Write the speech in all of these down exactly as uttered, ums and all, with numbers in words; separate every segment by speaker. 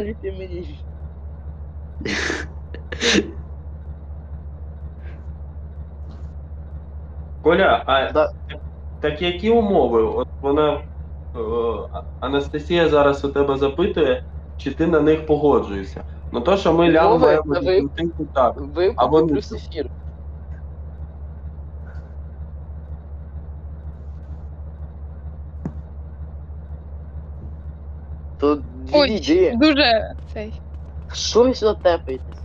Speaker 1: повірте мені.
Speaker 2: Коля, а
Speaker 1: Да.
Speaker 2: так які умови? От вона е, Анастасія зараз у тебе запитує, чи ти на них погоджуєшся. Ну то, що ми лям
Speaker 1: Умови
Speaker 2: маємо
Speaker 1: це ви,
Speaker 2: відплатити, так. А
Speaker 1: викупи
Speaker 2: вони
Speaker 1: плюс
Speaker 2: що?
Speaker 1: ефір. То
Speaker 3: Ой,
Speaker 1: відійди.
Speaker 3: дуже цей.
Speaker 1: Що ви сюди тепаєтесь?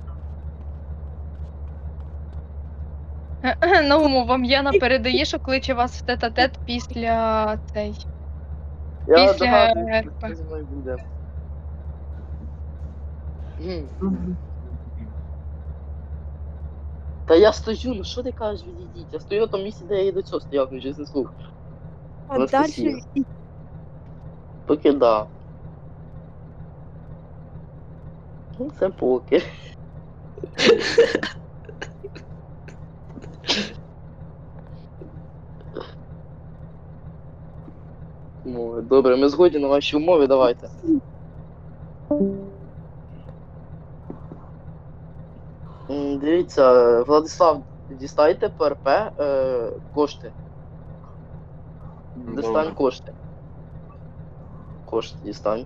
Speaker 3: Науму, вам Яна передає, що кличе вас в тет-а-тет після цей.
Speaker 1: Я
Speaker 3: Після
Speaker 1: догадуюсь,
Speaker 3: РП.
Speaker 1: що зі мною буде. Гм. Та я стою, ну що ти кажеш, відійдіть? Я стою на тому місці, де я і до цього стояв, ну чесне слово.
Speaker 4: А
Speaker 1: Анастасія.
Speaker 4: дальше і-
Speaker 1: Поки да. Ну, це поки. Ну, добре, ми згодні на ваші умови, давайте. М, Дивіться, Владислав, дістайте ПРП е, кошти. Дістань
Speaker 2: Добре.
Speaker 1: кошти. Кошти дістань.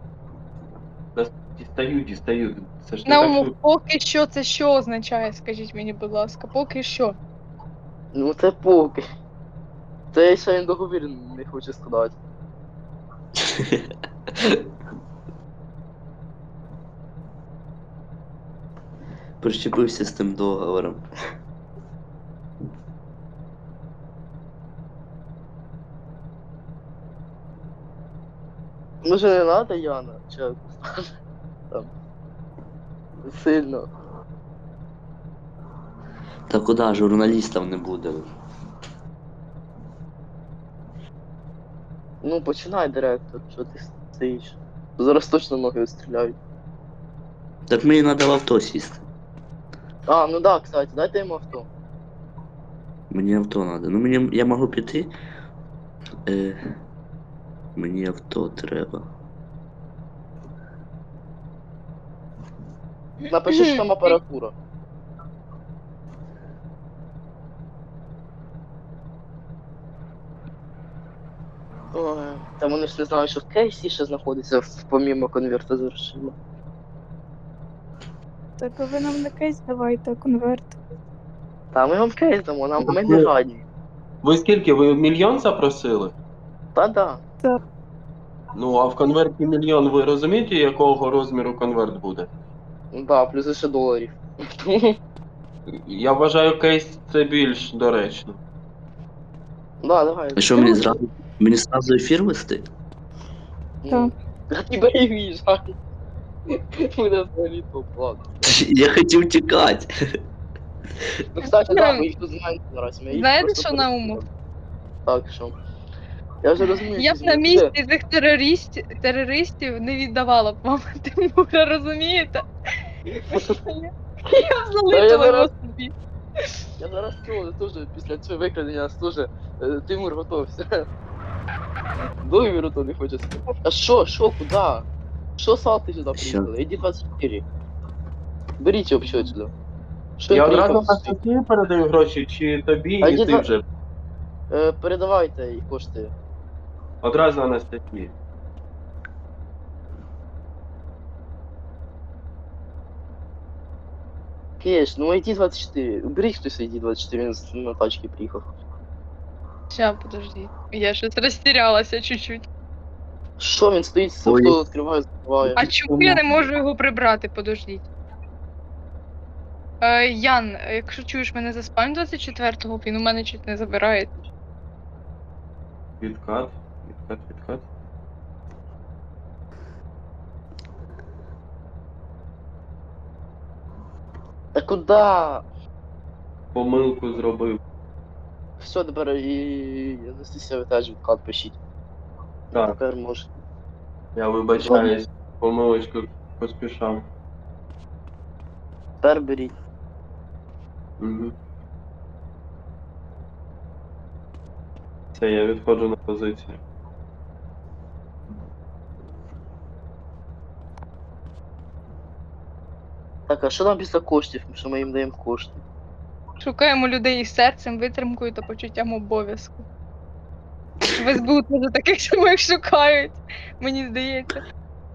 Speaker 2: Дістаю, дістаю. Це ж не так,
Speaker 3: Науму,
Speaker 2: що
Speaker 3: поки що це що означає, скажіть мені, будь ласка, поки що.
Speaker 1: Ну це поки. Це я ще й договір не хочу складати.
Speaker 5: Прищепився з тим договором.
Speaker 1: Може не надо, Яна? Чи там. Сильно.
Speaker 5: Та куди, журналістів не буде.
Speaker 1: Ну починай, директор, що ти стоїш. Зараз точно ноги відстріляють.
Speaker 5: Так мені треба в авто сісти.
Speaker 1: А, ну да, кстати, дайте йому авто.
Speaker 5: Мені авто треба. Ну мені я можу піти. Е, мені авто треба.
Speaker 1: Напиши, що там апаратура. Ой, та вони ж не знають, що в кейсі ще знаходиться в- помімо конверта з грошима.
Speaker 4: Так а ви нам не кейс давайте, а конверт.
Speaker 1: Та ми вам кейс дамо, нам ми не жадні.
Speaker 2: ви скільки? Ви мільйон запросили?
Speaker 1: Та да.
Speaker 2: Ну, а в конверті мільйон, ви розумієте, якого розміру конверт буде?
Speaker 1: Ну да, плюс ще доларів.
Speaker 2: Я вважаю, кейс це більш доречно.
Speaker 1: Да, давай.
Speaker 5: А що мені зразу? Мені зразу ефір вести?
Speaker 1: Ну, а тебе і в'їжджай. Буде взагалі топ, ладно.
Speaker 5: Я хотів тікати.
Speaker 1: Ну, кстати, да, ми їх тут знаємо зараз. Ми їх
Speaker 3: Знаєте,
Speaker 1: просто
Speaker 3: що, Наумов?
Speaker 1: перестріляли. Так, що? Я вже розумію,
Speaker 3: Я б
Speaker 1: що
Speaker 3: на
Speaker 1: з ним
Speaker 3: місці
Speaker 1: буде.
Speaker 3: цих терористів, терористів не віддавала б вам Тимура, розумієте? Я б залишила його
Speaker 1: зараз-
Speaker 3: собі.
Speaker 1: Я зараз цього теж після цього викрадення теж е, Тимур готовся. Договіру то не хоче сказати. А що, що, куди? Що салти сюди
Speaker 5: Що?
Speaker 1: приїхали? Іди двадцять чотири. Беріть його що сюди. Що
Speaker 2: Я
Speaker 1: він
Speaker 2: одразу
Speaker 1: приїхав?
Speaker 2: Анастасії передаю гроші, чи тобі,
Speaker 1: А
Speaker 2: і
Speaker 1: йди
Speaker 2: ти
Speaker 1: два-
Speaker 2: вже.
Speaker 1: Е, передавайте їх кошти.
Speaker 2: Одразу Анастасії.
Speaker 1: Кеш, ну іди двадцять чотири. Беріть хтось іди двадцять чотири, він з- на тачці приїхав.
Speaker 3: Ща, подожди. Я щось розтірялася чуть-чуть.
Speaker 1: Що він стоїть, з
Speaker 5: Ой.
Speaker 1: авто відкриває, закриває.
Speaker 3: А чому я не можу його прибрати? Подождіть. Е, Ян, якщо чуєш мене за спальню двадцять четвертого, він у мене чуть не забирає.
Speaker 2: Відкат, відкат, відкат.
Speaker 1: Та куди?
Speaker 2: Помилку зробив.
Speaker 1: Все, тепер і Анастасія, ви теж відкат пишіть.
Speaker 2: Так,
Speaker 1: Тепер може.
Speaker 2: я вибачаюсь, помилочку поспішав.
Speaker 1: Тепер беріть.
Speaker 2: Угу. Все, я відходжу на позицію.
Speaker 1: Так, а що там після коштів, що ми їм даємо кошти?
Speaker 3: Шукаємо людей із серцем, витримкою та почуттям обов'язку. В ес бе у теж таких самих шукають, мені здається.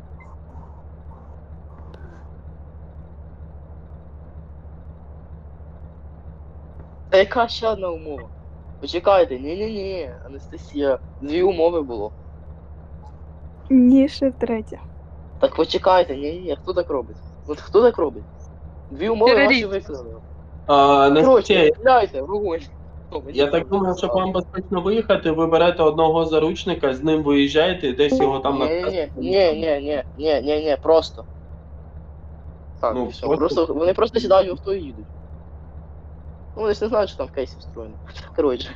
Speaker 1: Та яка ще одна умова? Почекайте, ні-ні-ні, Анастасія, дві умови було.
Speaker 4: Ні, ще третя.
Speaker 1: Так почекайте, ні-ні, хто так робить? От хто так робить? Дві умови ваші
Speaker 3: Терорист.
Speaker 1: виконали.
Speaker 2: А,
Speaker 1: Короче,
Speaker 2: Настасія,
Speaker 1: стріляйте, вогонь. О, мені
Speaker 2: я так
Speaker 1: правда
Speaker 2: думаю, щоб
Speaker 1: стало.
Speaker 2: вам безпечно виїхати, ви берете одного заручника, з ним виїжджаєте, десь його там
Speaker 1: Ні, ні, ні, ні, ні, ні, ні, ні, просто. Так,
Speaker 2: Ну,
Speaker 1: і все.
Speaker 2: просто-
Speaker 1: Просто вони просто сідають в авто і їдуть. Ну, вони ж не знають, що там в кейсі встроєно. Коротше.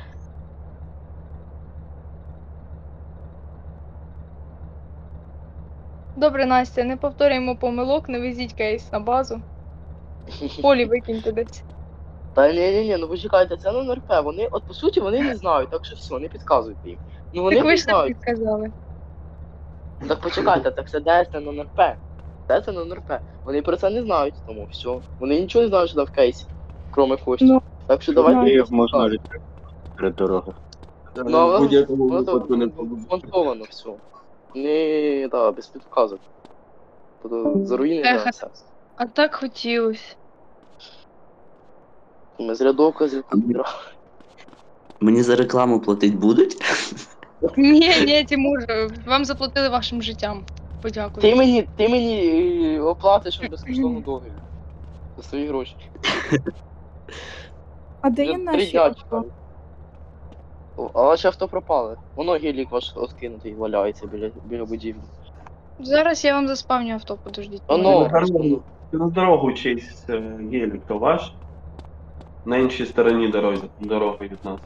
Speaker 3: Добре, Настя, не повторюємо помилок, не везіть кейс на базу. Полі викиньте десь.
Speaker 1: Та ні, ні, ні, ну почекайте, це не ен ер пе. Вони, от по суті, вони не знають, так що все, не підказуйте їм. Ну вони
Speaker 3: Так ви
Speaker 1: не
Speaker 3: ж не
Speaker 1: знають.
Speaker 3: підказали.
Speaker 1: Так почекайте, так це де це не ен ер пе. Де це не ен ер пе. Вони про це не знають, тому все. Вони нічого не знають, що там в кейсі, кроме коштів.
Speaker 4: Ну,
Speaker 1: Так що давайте.
Speaker 4: їх
Speaker 1: їх
Speaker 6: можна
Speaker 1: підказуйте.
Speaker 6: перед дорогою.
Speaker 1: Ну, а
Speaker 2: в будь-якому
Speaker 1: воно то
Speaker 2: випадку не побудуть.
Speaker 1: змонтовано все. Не, да, без підказок. Тобто заруїни
Speaker 3: Ех.
Speaker 1: на все.
Speaker 3: А так хотілося.
Speaker 1: Ми з рядовка з рядовка.
Speaker 5: Мені за рекламу платить будуть?
Speaker 3: Ні, ні, Тимур, вам заплатили вашим життям. Подякую.
Speaker 1: Ти мені, ти мені е, оплатиш безкоштовну договір. За свої гроші.
Speaker 4: А де
Speaker 1: Вже
Speaker 4: є
Speaker 1: три
Speaker 4: наші
Speaker 1: дня
Speaker 4: авто?
Speaker 1: чекаю. О, а ваше авто пропали. Воно гелік ваш откинутий валяється біля, біля будівлі.
Speaker 3: Зараз я вам заспавню авто, подождіть.
Speaker 1: Оно,
Speaker 2: на дорогу. На дорогу чийсь е, гелік, то ваш? На іншій стороні дороги, дороги від нас.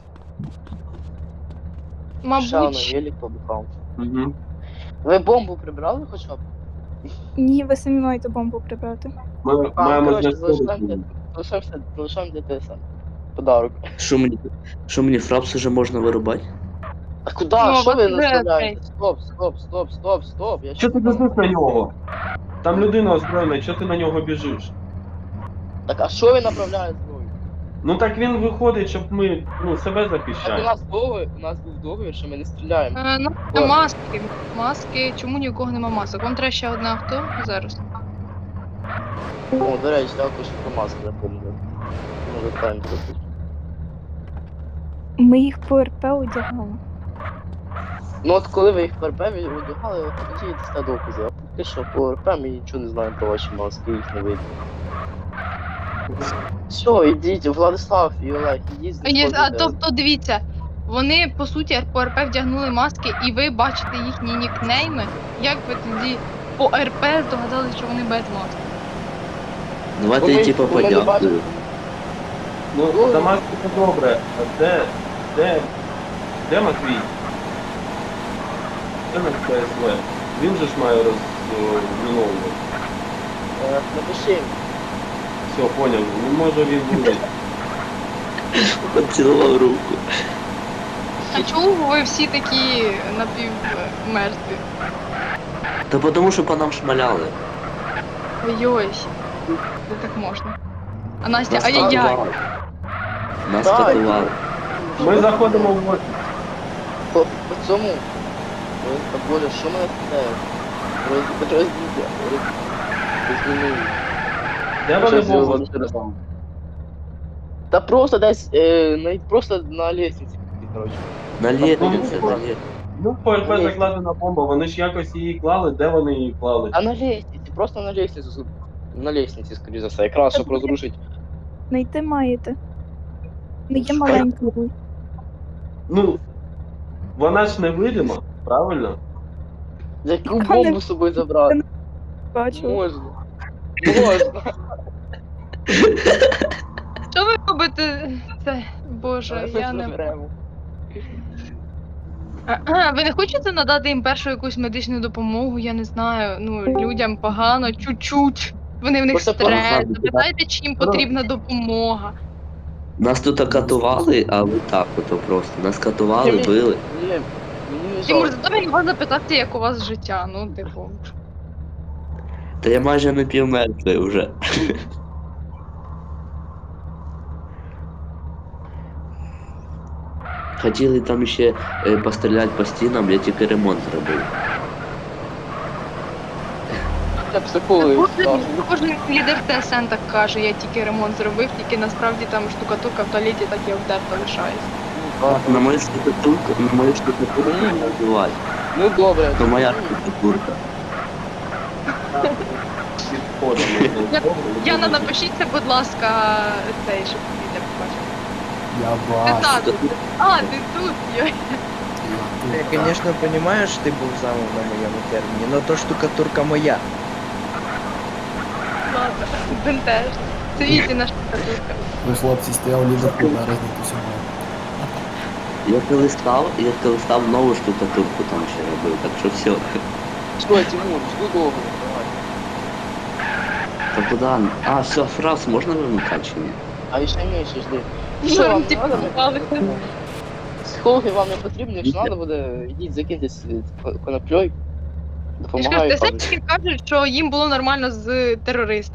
Speaker 1: ще воно
Speaker 3: Мабуть,
Speaker 1: гелік побухав.
Speaker 2: Угу.
Speaker 1: Ви бомбу прибрали хоча б?
Speaker 4: Ні, ви самі маєте бомбу прибрати.
Speaker 2: Ми
Speaker 1: А,
Speaker 2: маємо
Speaker 1: коротше,
Speaker 2: знайти.
Speaker 1: залишаємося, залишаємося, залишаємо для те саме. Подарок.
Speaker 5: Що мені? Що мені фрапс уже можна вирубати?
Speaker 1: А куди?
Speaker 3: Ну,
Speaker 1: Що ви
Speaker 3: от вже
Speaker 1: наставляєте? Стоп, стоп, стоп, стоп, стоп. Я
Speaker 2: Що ти
Speaker 1: щось
Speaker 2: біжиш на нього? Там людина озброєна, що ти на нього біжиш?
Speaker 1: Так, а що він направляє зброю?
Speaker 2: Ну так він виходить, щоб ми ну, себе
Speaker 1: Так у
Speaker 2: захищати.
Speaker 1: нас договір, у нас був договір, що ми не стріляємо.
Speaker 3: е, ну,
Speaker 1: Ладно.
Speaker 3: маски. Маски. Чому ні у кого нема масок? Вам треба ще одне авто зараз.
Speaker 1: О, до речі, також про маску запомнив. Може тайм трохи.
Speaker 4: Ми їх по РП одягали.
Speaker 1: Ну от коли ви їх по РП одягали, от тоді дасте докази. А поки що по РП ми нічого не знаємо про ваші маски, їх не видно. Все, ідіть, Владислав і Олег, ідіть,
Speaker 3: А, є- а
Speaker 1: знаходите.
Speaker 3: тобто, дивіться, вони по суті по РП вдягнули маски, і ви бачите їхні нікнейми. Як ви тоді по РП здогадали, що вони без маски?
Speaker 5: Давайте
Speaker 1: Бо
Speaker 5: я
Speaker 1: ми-
Speaker 5: типа
Speaker 1: бо ми не
Speaker 5: подякую.
Speaker 1: бачимо.
Speaker 2: Ну, Дамаск це добре. А де, де, де Матвій? Це наш Пе Ес Ве. Він же ж має розміновувати.
Speaker 1: Е, Напиши їм.
Speaker 2: Все, поняв. Ну може він буде.
Speaker 5: Поцілував руку.
Speaker 3: А чому ви всі такі напівмертві?
Speaker 5: Та потому що по нам шмаляли.
Speaker 3: Ой-ой, де так можна? А Настя,
Speaker 5: Нас
Speaker 3: ай-яй-яй.
Speaker 5: катували. Нас
Speaker 1: Так.
Speaker 5: катували.
Speaker 2: Ми заходимо в офіс.
Speaker 1: По, по цьому. Ой, та боже, що мене питає? Роз, розділля. Роз, розділили.
Speaker 2: Де вони
Speaker 1: Щось
Speaker 2: були?
Speaker 1: зробили. Та просто десь, е, на, просто на лестниці, коротше.
Speaker 5: На лєтниці,
Speaker 2: ну,
Speaker 5: на лєтниці.
Speaker 2: Ну, по РП
Speaker 1: Ні.
Speaker 2: закладена бомба, вони ж якось її клали, де вони її клали?
Speaker 1: А на лестниці, просто на лестниці. На лестниці, скоріше за все, якраз, щоб розрушити.
Speaker 4: Знайти маєте. Не є
Speaker 1: Шукай.
Speaker 4: маленькою.
Speaker 2: Ну, вона ж невидима, правильно?
Speaker 1: Яку
Speaker 4: Та не-
Speaker 1: бомбу з собою забрати?
Speaker 4: Бачила.
Speaker 1: Можна. Можна.
Speaker 3: Що ви робите? Це, боже, я не.
Speaker 1: Заберемо.
Speaker 3: А, ви не хочете надати їм першу якусь медичну допомогу? Я не знаю. Ну, людям погано, чуть-чуть. Вони в них
Speaker 1: Просто
Speaker 3: стрес.
Speaker 5: погано,
Speaker 3: Запитайте, чи їм потрібна допомога.
Speaker 5: Нас тут катували, а ви так ото просто. Нас катували,
Speaker 1: Ні,
Speaker 5: били.
Speaker 1: Ні, мені не
Speaker 3: Тимур,
Speaker 1: жалко.
Speaker 3: зато він вас запитати, як у вас життя. Ну, типу.
Speaker 5: Та я майже напівмертвий вже. Хотіли там ще е, постріляти по стінам, я тільки ремонт зробив.
Speaker 1: Я психологи
Speaker 3: Кожен,
Speaker 1: став.
Speaker 3: кожен лідер ТСН так каже, я тільки ремонт зробив, тільки насправді там штукатурка в туалеті так і обдерта лишається.
Speaker 5: На мою штукатурку, на мою штукатурку не називати.
Speaker 1: Ну добре.
Speaker 5: То моя штукатурка.
Speaker 2: Підходимо.
Speaker 3: Я- Яна, напишіться, будь ласка, цей, щоб лідер побачив.
Speaker 6: Я
Speaker 3: Ти
Speaker 6: бачу.
Speaker 3: тут. А, ти тут. Йой.
Speaker 7: Я, конечно, понимаю, что ты был замом на моем термине, но то штукатурка моя.
Speaker 3: Ладно, бентеж. Це Вітіна штукатурка.
Speaker 6: Ви, хлопці, стояв лідер на різнику сьогодні.
Speaker 5: Я коли став, я коли став нову штукатурку там ще робив, так що все.
Speaker 1: Що, Тимур, жду довго, давай.
Speaker 5: Та куди? А, все, фраз можна вимикати чи ні?
Speaker 1: А ще менше жди.
Speaker 3: Ну,
Speaker 1: Що вам
Speaker 3: типу,
Speaker 1: надо?
Speaker 3: попалися.
Speaker 1: Психологи вам не потрібні, якщо треба буде, йдіть закиньтесь е, конопльою.
Speaker 3: Я ж кажу,
Speaker 1: Допомагаю.
Speaker 3: ТСНщики кажуть, що їм було нормально з терористами.